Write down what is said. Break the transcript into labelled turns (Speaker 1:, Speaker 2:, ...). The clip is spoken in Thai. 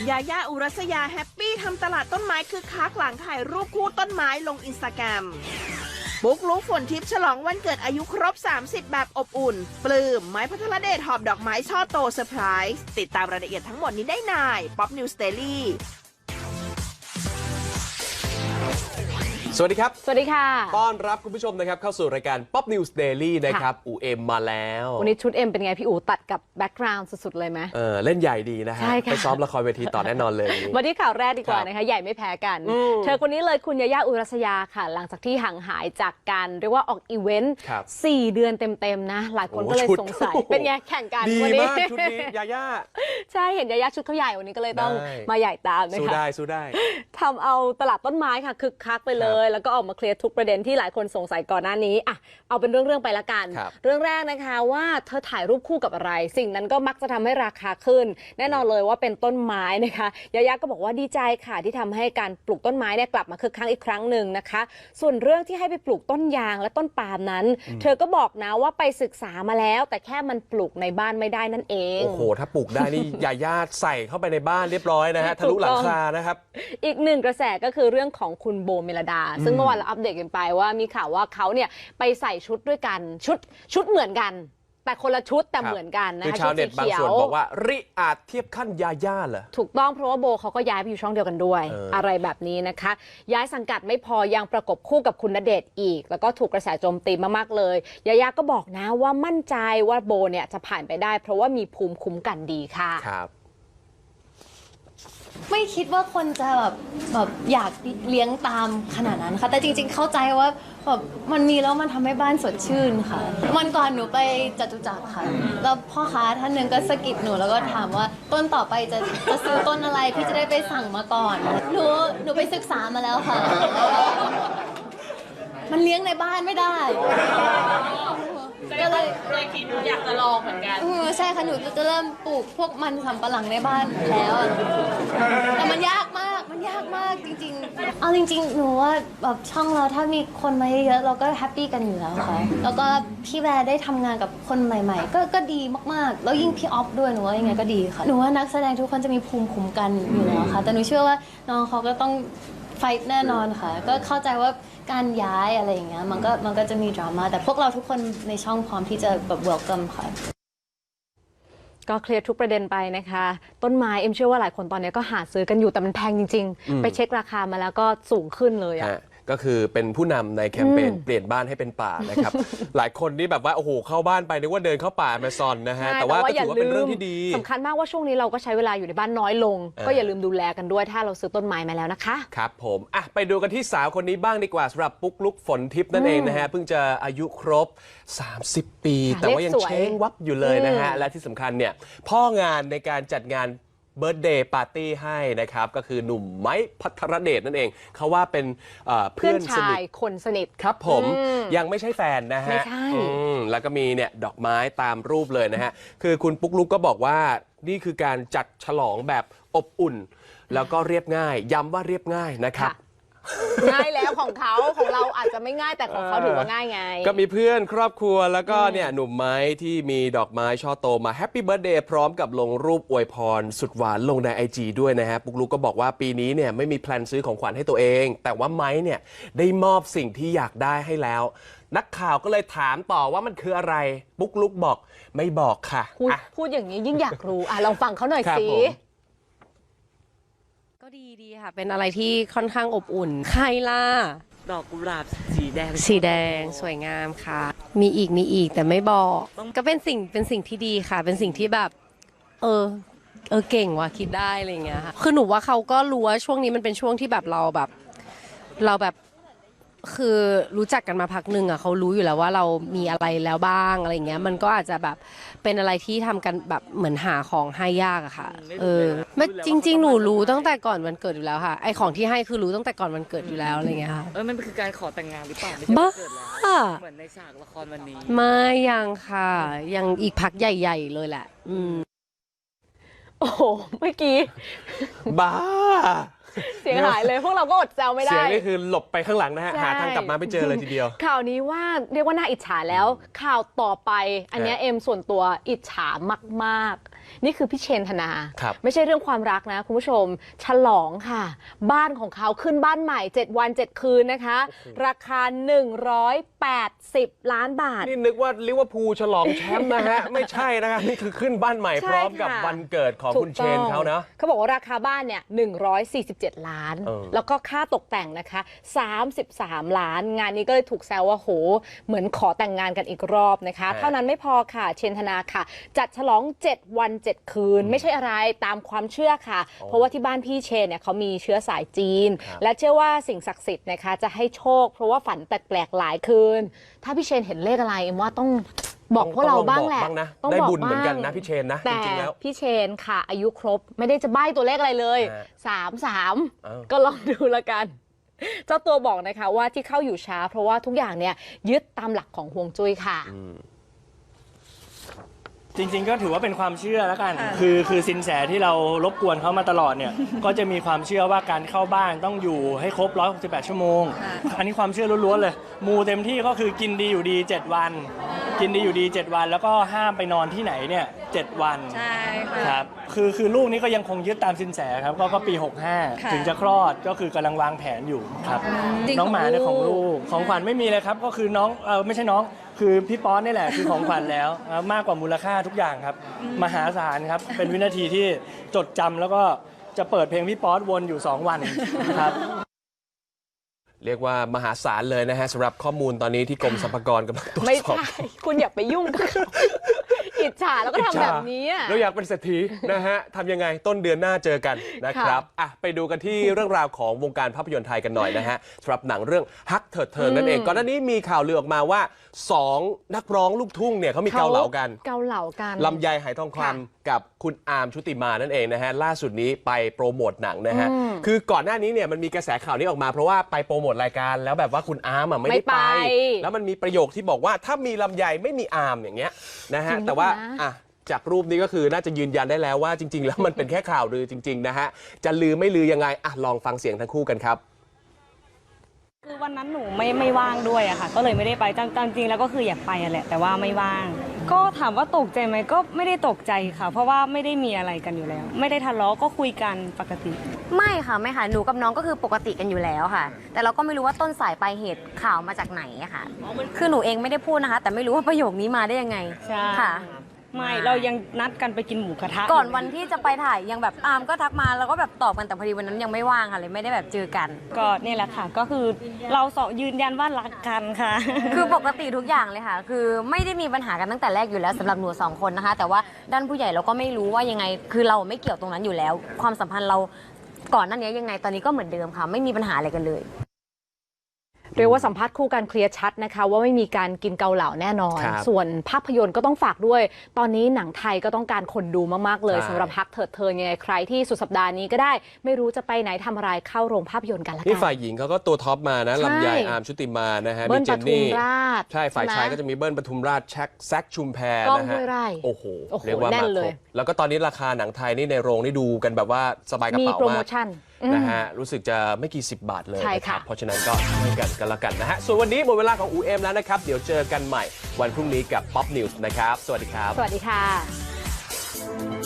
Speaker 1: ยาย่าอุรัสยาแฮปปี้ทำตลาดต้นไม้คึกคักหลังถ่ายรูปคู่ต้นไม้ลงอินสตาแกรมปุ๊กลุกฝนทิพย์ฉลองวันเกิดอายุครบ 30 แบบอบอุ่น ปลื้มไม้พัทรเดชหอบดอกไม้ช่อโตเซอร์ไพรส์ติดตามรายละเอียดทั้งหมดนี้ได้ในป๊อปนิวส์เดลี่
Speaker 2: สวัสดีครับ
Speaker 3: สวัสดีค่ะ
Speaker 2: ต้อนรับคุณผู้ชมนะครับเข้าสู่รายการ Pop News Daily นะครับอูเอ็มมาแล้ว
Speaker 3: วันนี้ชุดเอ็มเป็นไงพี่อูตัดกับแบ็กกราวด์สุดๆเลยไหม
Speaker 2: เล่นใหญ่ดีนะฮะไปซ้อมละครเวทีต่อแน่นอนเลย
Speaker 3: มาที่ข่าวแรกดีกว่านะคะใหญ่ไม่แพ้กันเธอคนนี้เลยคุณยาย่าอุรัสยาค่ะหลังจากที่ห่างหายจากการเรียกว่าออกอีเวนต์4 เดือนเต็มๆนะหลายคนก็เลยสงสัยเป็นไงแข่งกัน
Speaker 2: วันนี้ดีมากชุดนี้ยาย่า
Speaker 3: ใช่เห็นยาย่าชุดเขาใหญ่วันนี้ก็เลยต้องมาใหญ่ตามนะคะ
Speaker 2: สู้ได้
Speaker 3: ทำเอาตลาดต้นไม้ค่ะคึกคักไปเลยแล้วก็ออกมาเคลียร์ทุกประเด็นที่หลายคนสงสัยก่อนหน้านี้เอาเป็นเรื่องไปละกันเรื่องแรกนะคะว่าเธอถ่ายรูปคู่กับอะไรสิ่งนั้นก็มักจะทำให้ราคาขึ้นแน่นอนเลยว่าเป็นต้นไม้นะคะยาย่าก็บอกว่าดีใจค่ะที่ทำให้การปลูกต้นไม้เนี่ยกลับมาคึกคักอีกครั้งหนึ่งนะคะส่วนเรื่องที่ให้ไปปลูกต้นยางและต้นปาล์มนั้นเธอก็บอกนะว่าไปศึกษามาแล้วแต่แค่มันปลูกในบ้านไม่ได้นั่นเอง
Speaker 2: โอ้โหถ้าปลูกได้นี่ยาย่าใส่เข้าไปในบ้านเรียบร้อยนะฮะทะลุหลังคานะครับ
Speaker 3: อีกหนึ่งกระแสก็คือเรื่องของคุณโบเมลดาซึ่งเมื่อวานเราอัปเดตกันไปว่ามีข่าวว่าเขาเนี่ยไปใส่ชุดด้วยกันชุดเหมือนกันแต่คนละชุดแต่เหมือนกันนะคะ
Speaker 2: ชาวเน็ตบางส่วนบอกว่าริอาจเทียบขั้นยาย่าเหรอ
Speaker 3: ถูกต้องเพราะว่าโบเขาก็ย้ายไปอยู่ช่องเดียวกันด้วยอะไรแบบนี้นะคะย้ายสังกัดไม่พอยังประกบคู่กับคุณณเดชน์อีกแล้วก็ถูกกระแสโจมตีมากๆเลยยาย่าก็บอกนะว่ามั่นใจว่าโบเนี่ยจะผ่านไปได้เพราะว่ามีภูมิคุ้มกันดีค่ะ
Speaker 2: ครับ
Speaker 4: ไม่คิดว่าคนจะแบบอยากเลี้ยงตามขนาดนั้นค่ะแต่จริงๆเข้าใจว่าแบบมันมีแล้วมันทำให้บ้านสดชื่นค่ะวันก่อนหนูไปจตุจักรค่ะแล้วพ่อค้าท่านหนึ่งก็สะกิดหนูแล้วก็ถามว่าต้นต่อไปจะซื้อต้นอะไรพี่จะได้ไปสั่งมาก่อนหนูไปศึกษามาแล้วค่ะมันเลี้ยงในบ้านไม่ได้
Speaker 1: ก็เลยคิดอยากจะลองเหมือนกัน
Speaker 4: ใช่ค่ะหนูจะเริ่มปลูกพวกมันสำปะหลังในบ้านแล้วแต่มันยากมากจริงๆเอาจริงๆหนูว่าแบบช่องเราถ้ามีคนมาเยอะๆเราก็แฮปปี้กันอยู่แล้วค่ะแล้วก็พี่แวร์ได้ทำงานกับคนใหม่ๆก็ดีมากๆแล้วยิ่งพี่ออฟด้วยหนูว่ายังไงก็ดีค่ะหนูว่านักแสดงทุกคนจะมีภูมิคุ้มกันอยู่แล้วค่ะแต่หนูเชื่อว่าน้องเขาก็ต้องไฟท์แน่นอนค่ะก็เข้าใจว่าการย้ายอะไรอย่างเงี้ยมันก็จะมีดราม่าแต่พวกเราทุกคนในช่องพร้อมที่จะแบบเวลคัมค่ะ
Speaker 3: ก็เคลียร์ทุกประเด็นไปนะคะต้นไม้เอ็มเชื่อว่าหลายคนตอนนี้ก็หาซื้อกันอยู่แต่มันแพงจริงๆไปเช็คราคามาแล้วก็สูงขึ้นเลย
Speaker 2: ก็คือเป็นผู้นำในแคมเปญเปลี่ยนบ้านให้เป็นป่านะครับ หลายคนนี่แบบว่าโอ้โหเข้าบ้านไปนึกว่าเดินเข้าป่าแอมะซอนนะฮะแต่ว่าก็ถือว่าเป็นเรื่องที่ดี
Speaker 3: สำคัญมากว่าช่วงนี้เราก็ใช้เวลาอยู่ในบ้านน้อยลงก็อย่าลืมดูแลกันด้วยถ้าเราซื้อต้นไม้มาแล้วนะคะ
Speaker 2: ครับผมไปดูกันที่สาวคนนี้บ้างดีกว่าสำหรับปุ๊กลุกฝนทิพย์นั่นเองนะฮะเพิ่งจะอายุครบ30 ปีแต่ว่ายังเช้งวับอยู่เลยนะฮะและที่สำคัญเนี่ยพ่องานในการจัดงานเบิร์ธเดย์ปาร์ตี้ให้นะครับก็คือหนุ่มไม้พัทรเดชนั่นเองเขาว่าเป็นเพื่อน
Speaker 3: ชายคนสนิท
Speaker 2: ครับผมยังไม่ใช่แฟนนะฮะแล้วก็มีเนี่ยดอกไม้ตามรูปเลยนะฮะคือคุณปุ๊กลุกก็บอกว่านี่คือการจัดฉลองแบบอบอุ่นแล้วก็เรียบง่ายย้ำว่าเรียบง่ายนะครับ
Speaker 3: ง่ายแล้วของเราอาจจะไม่ง่ายแต่ของเขาถือว่าง่ายไง
Speaker 2: ก็มีเพื่อนครอบครัวแล้วก็เนี่ยหนุ่มไม้ที่มีดอกไม้ช่อโตมาแฮปปี้เบิร์ธเดย์พร้อมกับลงรูปอวยพรสุดหวานลงใน IG ด้วยนะฮะปุ๊กลุกก็บอกว่าปีนี้เนี่ยไม่มีแพลนซื้อของขวัญให้ตัวเองแต่ว่าไม้เนี่ยได้มอบสิ่งที่อยากได้ให้แล้วนักข่าวก็เลยถามต่อว่ามันคืออะไรปุ๊กลุกบอกไม่บอกค่ะ
Speaker 3: พูดอย่างนี้ยิ่งอยากรู้ลองฟังเขาหน่อยสิ
Speaker 5: ก็ดีค่ะเป็นอะไรที่ค่อนข้างอบอุ่นใครล่ะ
Speaker 1: ดอกกุหลาบสีแด
Speaker 5: งสวยงามค่ะมีอีกแต่ไม่บอกก็เป็นสิ่งที่ดีค่ะเป็นสิ่งที่แบบเก่งว่ะคิดได้อะไรอย่างเงี้ยค่ะคือหนูว่าเขาก็รู้ว่าช่วงนี้มันเป็นช่วงที่แบบเราแบบคือรู้จักกันมาพักหนึ่งเขารู้อยู่แล้วว่าเรามีอะไรแล้วบ้างอะไรเงี้ยมันก็อาจจะแบบเป็นอะไรที่ทำกันแบบเหมือนหาของให้ยากอะค่ะไม่จริงๆหนูรู้ตั้งแต่ก่อนวันเกิดอยู่แล้วค่ะไอของที่ให้คือรู้ตั้งแต่ก่อนวันเกิดอยู่แล้วอะไรเงี้ยค่ะ
Speaker 1: มันคือการขอแต่งงานหรือเปล่าไม่ใช่วันเกิดแล้วเหมือนในฉากละครวันนี้
Speaker 5: ไม่ยังค่ะยังอีกพักใหญ่ๆเลยแหละ
Speaker 3: โอ้โหเมื่อกี้
Speaker 2: บ้า
Speaker 3: เสียงหายเลยพวกเราก็อดแซวไม่ได้
Speaker 2: เสียงนี่คือหลบไปข้างหลังนะฮะหาทางกลับมาไม่เจอเลยทีเดียว
Speaker 3: ข่าวนี้ว่าเรียกว่าน่าอิจฉาแล้วข่าวต่อไปอันนี้เอ็มส่วนตัวอิจฉามากนี่คือพี่เชนธนา
Speaker 2: ครับ
Speaker 3: ไม่ใช่เรื่องความรักนะคุณผู้ชมฉลองค่ะ บ้านของเขาขึ้นบ้านใหม่ 7 วัน 7 คืนนะคะ ราคา 180 ล้านบาท
Speaker 2: นี่นึกว่าลิเวอร์พูลฉลองแชมป์นะฮะ ไม่ใช่นะครับนี่คือขึ้นบ้านใหม่
Speaker 3: ใช่
Speaker 2: พร้อมกับ
Speaker 3: ค่ะ
Speaker 2: วันเกิดของคุณเชนเขานะ
Speaker 3: เขาบอกว่าราคาบ้านเนี่ย147 ล้าน แล้วก็ค่าตกแต่งนะคะ33 ล้าน งานนี้ก็เลยถูกแซวว่าโหเหมือนขอแต่งงานกันอีกรอบนะคะ เท่านั้นไม่พอค่ะเชนธนาค่ะ จัดฉลอง 7 วัน 7 คืน ไม่ใช่อะไรตามความเชื่อค่ะ เพราะว่าที่บ้านพี่เชนเนี่ยเขามีเชื้อสายจีน และเชื่อว่าสิ่งศักดิ์สิทธิ์นะคะจะให้โชค เพราะว่าฝันแปลกๆหลายคืน ถ้าพี่เชนเห็นเลขอะไรเอ็มว่าต้องบอกพวกเราบ้างแหละ
Speaker 2: ต้องได้บุญเหมือนกันนะพี่เชนนะจ
Speaker 3: แต่
Speaker 2: ริงๆแล้ว
Speaker 3: พี่เชนค่ะ อายุครบไม่ได้จะใบ้ตัวเลขอะไรเลย 33 ก็ลองดูละกัน เจ้าตัวบอกนะคะว่าที่เข้าอยู่ช้า เพราะว่าทุกอย่างเนี่ยยึดตามหลักของฮวงจุ้ยค่ะ
Speaker 6: จริงๆก็ถือว่าเป็นความเชื่อแล้วกัน คือสินแสที่เรารบกวนเขามาตลอดเนี่ย ก็จะมีความเชื่อว่าการเข้าบ้านต้องอยู่ให้ครบ168 ชั่วโมง อันนี้ความเชื่อล้วนๆเลย มูเต็มที่ก็คือกินดีอยู่ดี 7 วัน กินดีอยู่ดี 7 วัน แล้วก็ห้ามไปนอนที่ไหนเนี่ย7 วัน
Speaker 7: ใช่ค่ะ
Speaker 6: ครับ คือลูกนี้ก็ยังคงยึดตามสินแสครับ ก็ปี 65 ถึงจะคลอด ก็คือกำลังวางแผนอยู่ครับ
Speaker 7: จริง
Speaker 6: น้องหมาเนี่ย
Speaker 7: ข
Speaker 6: ข
Speaker 7: อ
Speaker 6: อง ง
Speaker 7: ลู
Speaker 6: ลู
Speaker 7: ก
Speaker 6: ก ของขวัญไม่มีเลยครับ ก็คือน้องไม่ใช่น้อง คือพี่ป๊อนนี่แหละคือของขวัญแล้วมากกว่ามูลค่าทุกอย่างครับ มหาศาลครับ เป็นวินาทีที่จดจำแล้วก็จะเปิดเพลงพี่ป๊อตวนอยู่ 2 วันครับ
Speaker 2: เรียกว่ามหาศาลเลยนะฮะสำหรับข้อมูลตอนนี้ที่กรมสรรพากรกำลังตรวจ
Speaker 3: ไม่
Speaker 2: สอบ
Speaker 3: ใช่ คุณอย่าไปยุ่งกับเขาอิจฉาแล้วก็ทำแบบนี้อะ
Speaker 2: เราอยากเป็นเศรษฐีนะฮะทำยังไงต้นเดือนหน้าเจอกันนะครับอ่ะไปดูกันที่เรื่องราวของวงการภาพยนตร์ไทยกันหน่อยนะฮะสำหรับหนังเรื่องฮักเถิดเทิงนั่นเองก่อนหน้านี้มีข่าวลือออกมาว่า 2 นักร้องลูกทุ่งเนี่ยเขามีเกาเหลากัน
Speaker 3: เกาเหลากัน
Speaker 2: ลำไยไหทองคำกับคุณอาร์มชุติมานั่นเองนะฮะล่าสุดนี้ไปโปรโมทหนังนะฮะคือก่อนหน้านี้เนี่ยมันมีกระแสข่าวนี้ออกมาเพราะว่าไปโปรโมทรายการแล้วแบบว่าคุณอาร์มไม่ได้ไป แล้วมันมีประโยคที่บอกว่าถ้ามีลำไยไม่มีอาร์มอย่างเงี้ยนะฮะแต่ว่าอ่ะจากรูปนี้ก็คือน่าจะยืนยันได้แล้วว่าจริง ๆ แล้วมันเป็นแค่ข่าวลือจริงๆนะฮะจะลือไม่ลือยังไงอ่ะลองฟังเสียงทั้งคู่กันครับ
Speaker 8: คือวันนั้นหนูไม่ว่างด้วยอะค่ะ ก็เลยไม่ได้ไปจริงๆแล้วก็คืออยากไปอะแหละแต่ว่าไม่ว่าง ก็ถามว่าตกใจไหมก็ไม่ได้ตกใจค่ะ เพราะว่าไม่ได้มีอะไรกันอยู่แล้ว ไม่ได้ทะเลาะก็คุยกันปกติ
Speaker 9: ไม่ค่ะไม่ค่ะหนูกับน้องก็คือปกติกันอยู่แล้วค่ะ แต่เราก็ไม่รู้ว่าต้นสายปลายเหตุข่าวมาจากไหนอะค่ะ คือหนูเองไม่ได้พูดนะคะ แต่ไม่รู้ว่าประโยคนี้มาได้ยังไง
Speaker 8: ใช่
Speaker 9: ค่ะ
Speaker 8: ไม่เรายังนัดกันไปกินหมูกระทะ
Speaker 9: ก่อนวันที่จะไปถ่ายยังแบบอามก็ทักมาแล้วก็แบบตอบกันแต่พอดีวันนั้นยังไม่ว่างค่ะเลยไม่ได้แบบเจอกัน
Speaker 8: ก็นี่แหละค่ะ ก็คือเราสองยืนยันว่ารักกันค่ะ
Speaker 9: คือปกติทุกอย่างเลยค่ะ คือไม่ได้มีปัญหากันตั้งแต่แรกอยู่แล้วสำหรับหนู2 คนนะคะ แต่ว่าด้านผู้ใหญ่เราก็ไม่รู้ว่ายังไง คือเราไม่เกี่ยวตรงนั้นอยู่แล้ว ความสัมพันธ์เราก่อนหน้านี้ยังไงตอนนี้ก็เหมือนเดิมค่ะ ไม่มีปัญหาอะไรกันเลย
Speaker 3: เรียกว่าสัมภาษณ์คู่กันเคลียร์ชัดนะคะว่าไม่มีการกินเกาเหลาแน่นอน
Speaker 2: ครับ
Speaker 3: ส่วนภาพยนตร์ก็ต้องฝากด้วย ตอนนี้หนังไทยก็ต้องการคนดูมากๆเลย
Speaker 2: ใช่
Speaker 3: สำหรับฮักเถิดเทิงยังไงใครที่สุดสัปดาห์นี้ก็ได้ ไม่รู้จะไปไหนทำอะไรเข้าโรงภาพยนตร์กันละกั
Speaker 2: นี่ฝ่ายหญิงเขาก็ตัวท็อปมานะ
Speaker 3: ใช่
Speaker 2: ลำไยอาร์มชุติมานะฮะ
Speaker 3: เบิ้
Speaker 2: มี
Speaker 3: ล
Speaker 2: เจ
Speaker 3: ป
Speaker 2: น
Speaker 3: ทุม
Speaker 2: นี่
Speaker 3: ราช
Speaker 2: ใช่ฝ่ายชาย
Speaker 3: ใช่ไหม
Speaker 2: ก็จะมีเบิ้ลปทุมราชแซคชุมแพร
Speaker 3: กล้อง
Speaker 2: นะฮะ
Speaker 3: ห้วยไร่
Speaker 2: โอ้โห
Speaker 3: โอ้โห
Speaker 2: เรียกว่า
Speaker 3: แน่
Speaker 2: มาน
Speaker 3: เล
Speaker 2: คร
Speaker 3: ย
Speaker 2: บแล้วก็ตอนนี้ราคาหนังไทยนี่ในโรงนี่ดูกันแบบว่าสบายกระ
Speaker 3: มี
Speaker 2: เป๋า
Speaker 3: โปรโม
Speaker 2: มาก
Speaker 3: ชั่น
Speaker 2: นะฮะรู้สึกจะไม่กี่10 บาทเลย
Speaker 3: ใช่
Speaker 2: นะค
Speaker 3: ค่ะ
Speaker 2: รับเพราะฉะนั้นก็ช่วยกันละกันนะฮะส่วนวันนี้หมดเวลาของอูเอ็มแล้วนะครับเดี๋ยวเจอกันใหม่วันพรุ่งนี้กับ Pop News นะครับสวัสดีครับ
Speaker 3: สวัสดีค่ะ